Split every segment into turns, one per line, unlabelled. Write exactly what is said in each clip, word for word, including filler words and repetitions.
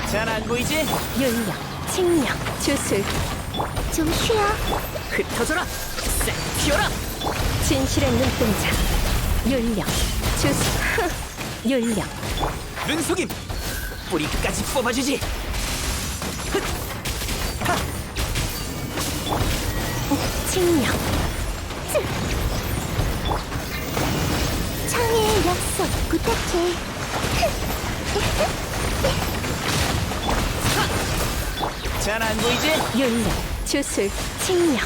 잘 안 보이지?
윤력, 칭력, 주술. 좀 쉬어.
흩어져라! 싹 튀어라!
진실의 눈동자. 윤력, 주술. 윤력,
눈속임! 뿌리까지 뽑아주지! 흑! 하!
칭력. 창의의 약속 부탁해.
잘 안 보이지?
윤력, 주술, 칭력.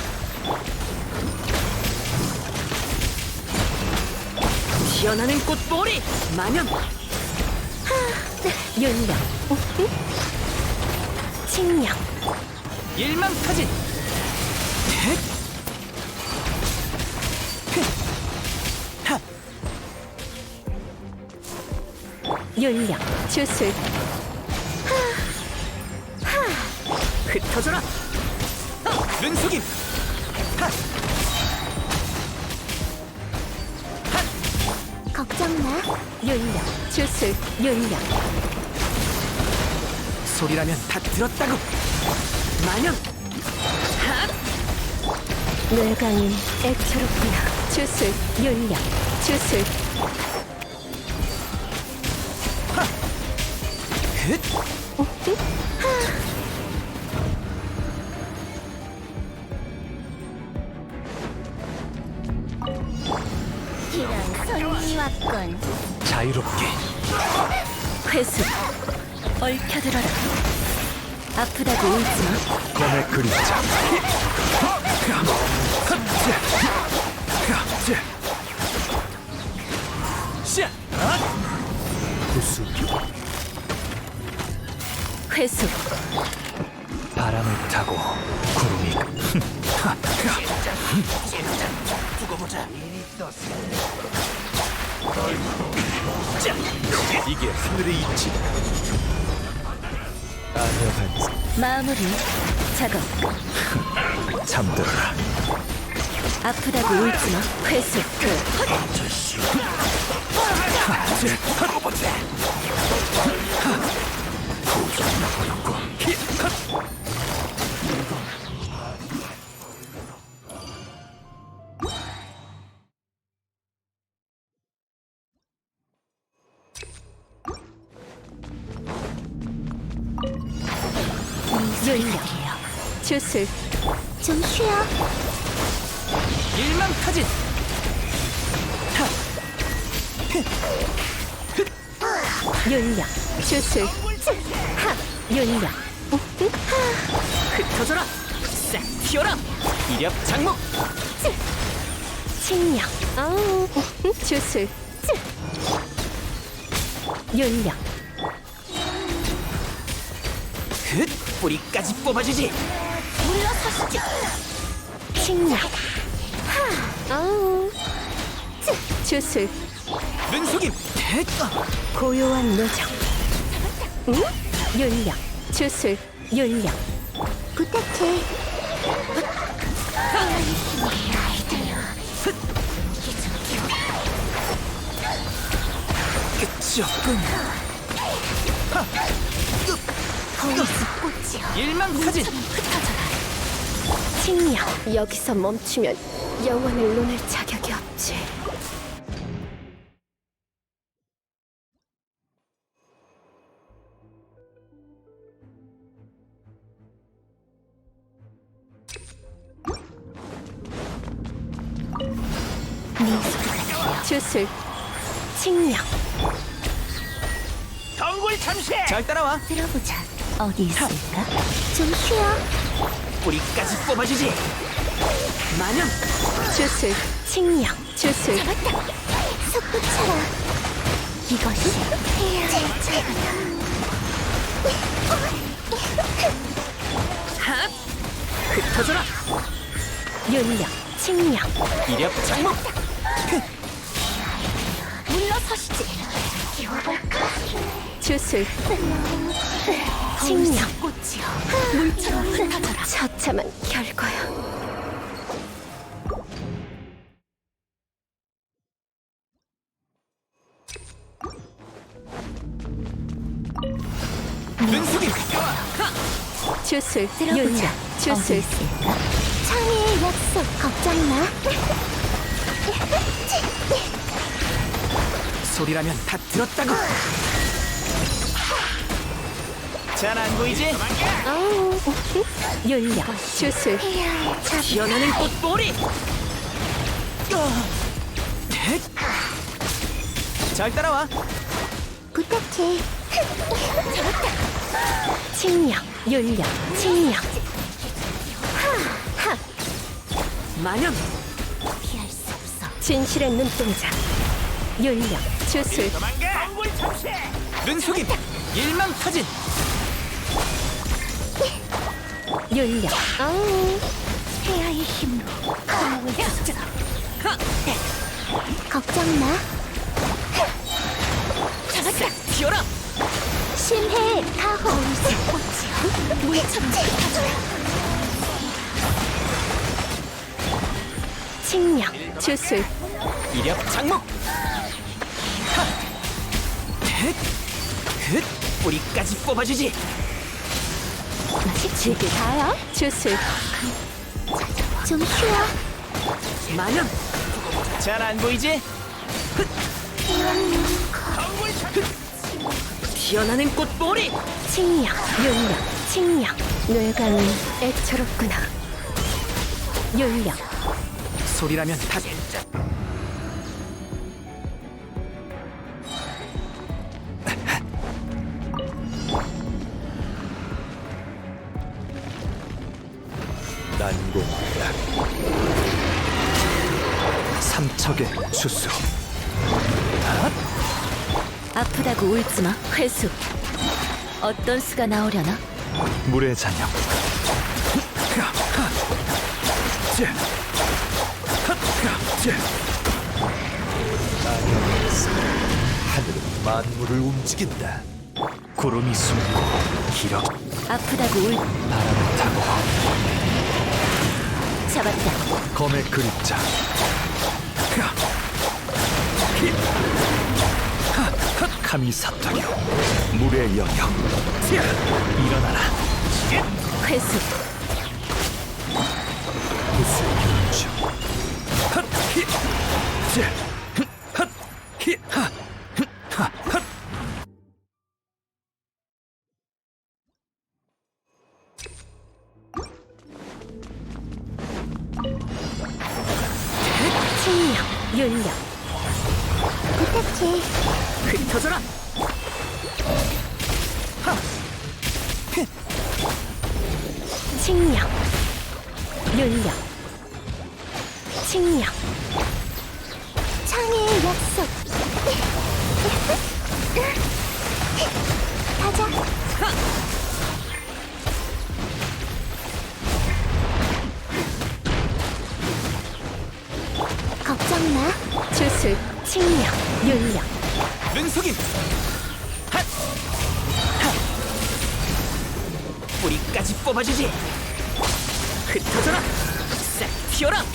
피어나는 꽃보리! 마녀!
윤력, 칭력.
일망타진! 헷! 하!
윤력, 주술.
흩어져라! 눈속임! 하!
걱정 마. 윤력, 주술, 윤력.
소리라면 다 들었다고! 마녀!
뇌강이 애처롭구나. 주술, 윤력, 주술.
흩!
이런 손님이 왔군.
자유롭게
회수, 얽혀들어라. 아프다고 울지마.
검의 그림자 샤! 구수
회수,
바람을 타고 구름이 두고 보자. 자, 이게 하늘의 이치. 아녀한
마무리, 작업.
잠들어라.
아프다고 울지마. 회수,
두고 보자.
윤력, 주술. 좀 쉬어.
일망타진.
윤력, 주술. 하, 윤력.
흩어져라. 싹 튀어라. 이력 장목.
칭력. 아우. 주술. 윤력.
흩! 뿌리까지 뽑아주지.
물러서시죠. 칭력. 하, 아우. 주술.
눈속임. 헷!
고요한 노정. 응? 윤력, 주술, 윤력. 부탁해.
끝이 없군.
거기서 꽃이여.
일망타진.
칭력. 여기서 멈추면 영원을 논할 자격이 없지. 네 소리가 주술, 칭력.
덩굴 참시. 잘 따라와.
들어보자. 어디 있을까? 좀 쉬어.
뿌리까지 뽑아주지. 마녀.
주술, 칭력, 주술. 잡았다. 솟구쳐라. 이것이 제 차례다.
핫! 흩어져라.
윤력, 칭력.
이력 장목.
물러서시지. 주술, 칭력. 물처럼 흩어져라. 처참한 결과야.
눈속임.
주술 열려 주술 창의의 약속 걱정 마.
소리라면 다 들었다고. 잘 안 보이지?
아우 열려 주술
피어나는 꽃보리. 헷. 잘 따라와.
부탁해. 칭령 열려 칭령 하하
마녀.
피할 수 없어. 진실의 눈동자 열려 주술
눈속임. 일망타진.
열려 아우 폐하의 힘으로 강을 주소서. 걱정 마.
잡았다. 튀어라.
심해 가호 꽃이여 물처럼 흩어져라. 칭령 주술
이력 장목. 하. 헷. 헷. 뿌리까지 뽑아주지.
지게 가요 주술 좀 쉬어.
마녀. 잘 안 보이지? 피어나는 꽃보리.
칭령 열려 칭령 뇌관은 애처롭구나. 열려
소리라면 다.
난공불락 삼척의 주수.
아프다고 울지마. 회수 어떤 수가 나오려나.
물의 잔영. 나경에서 하늘은 만물을 움직인다. 구름이 숨고 기력
아프다고 울
바람을 타고
잡았다.
검의 그림자. 감히 사탕여 물의 영역. 일어나라.
회수
무술 경주.
칭령 열려 부탁해.
흩어져라.
칭령 열려 칭령 창의의 약속 가자. 걱정 마. 주술 칭령 열려
눈속임. 핫. 핫. 뿌리까지 뽑아주지. 흩어져라. 싹 튀어라.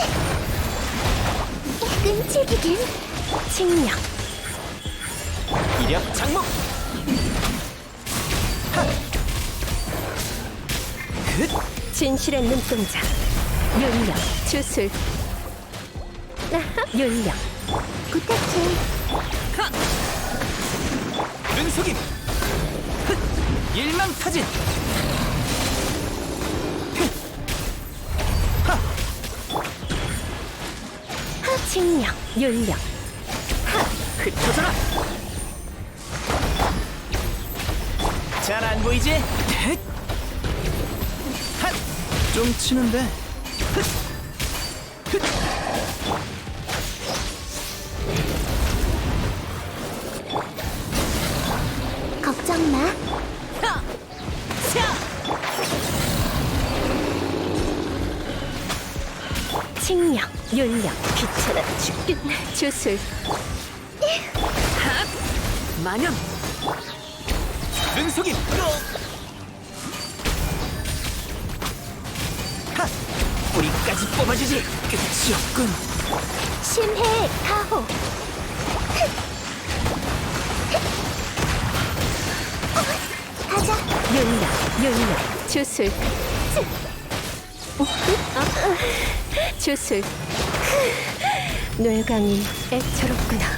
끈질기긴 칭령
이력 장목. 하. 흩.
진실의 눈동자 열려 주술 열려 부탁해.
하. 눈속임. 흩. 일망타진.
칭령 열려
흩어져라. 잘 안 보이지? 헷. 핫. 좀 치는데. 흩. 흩.
걱정 마.
하. 차.
칭령 열려 귀찮아 죽겠네. 주술
핫. 마녀. 눈속임. 하. 뿌리까지 뽑아주지. 끝이 없군.
심해 가호 가자. 윤력, 윤력, 주술. 어? 어? 주술. 뇌강이 애처롭구나.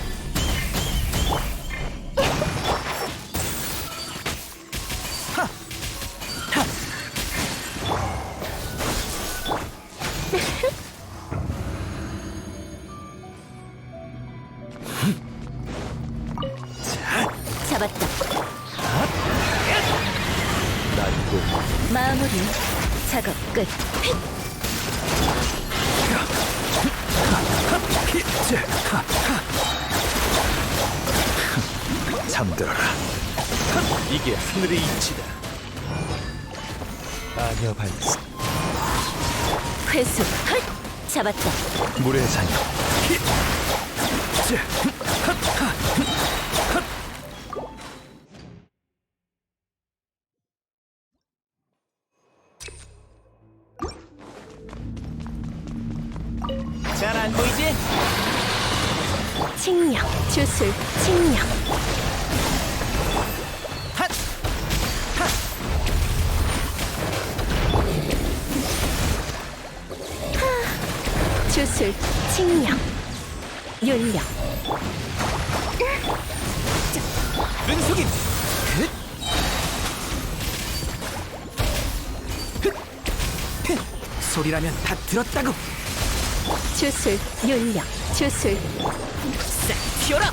잡았다.
날고
마무리. 작업 끝.
잠들어라. 이게 하늘의 이치다. 아녀 발사
회수. 헐! 잡았다.
물의 잔여.
잘 안 보이지?
칭령, 주술, 칭령.
핫!
주술, 칭령. 윤력.
눈속임! 흑! 흑! 흑! 소리라면 다 들었다고!
주술, 윤력, 주술.
싹 튀어라!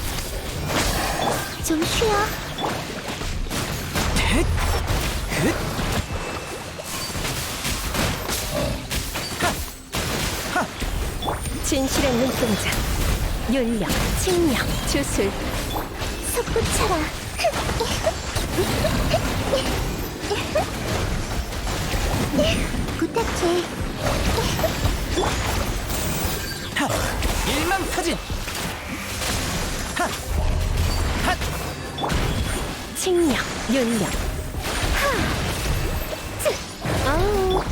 좀 쉬어.
흑! 흑!
진실의 눈동자. 윤력, 칭령, 주술. 솟구쳐라. 부탁해.
하! 일망타진! 하! 핫!
칭령, 윤력. 하! 쯔! 아우.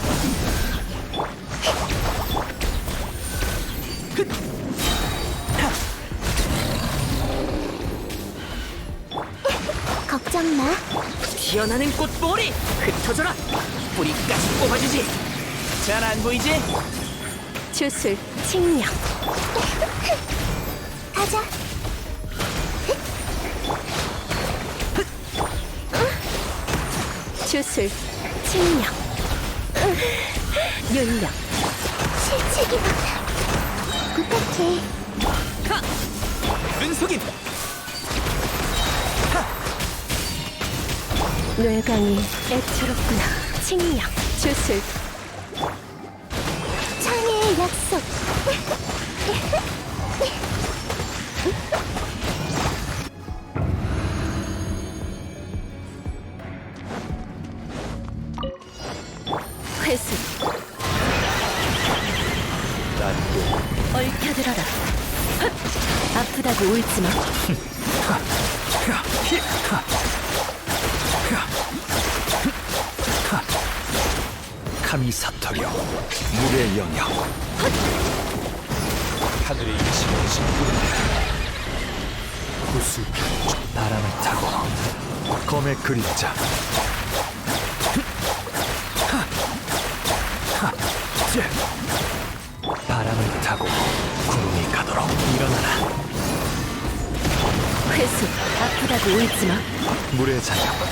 걱정 마.
튀어나는 꽃봉오리! 흩어져라! 뿌리까지 뽑아주지! 잘 안 보이지?
주술, 칭령. 가자. 주술, 칭령. 윤력. 실책이 많아. 부탁해.
하! 눈속임!
뇌강이 애처롭구나. 칭령, 주술. 창의의 약속. 회수.
날고
얽혀들어라. 헛! 아프다고 울지마.
감히 사터려 물의 영역. 하늘의 이치를 짓구른다. 구슬 바람을 타고 검의 그림자. 바람을 타고 구름이 가도록 일어나라.
회수. 아프다고 울지마.
물의 잔여.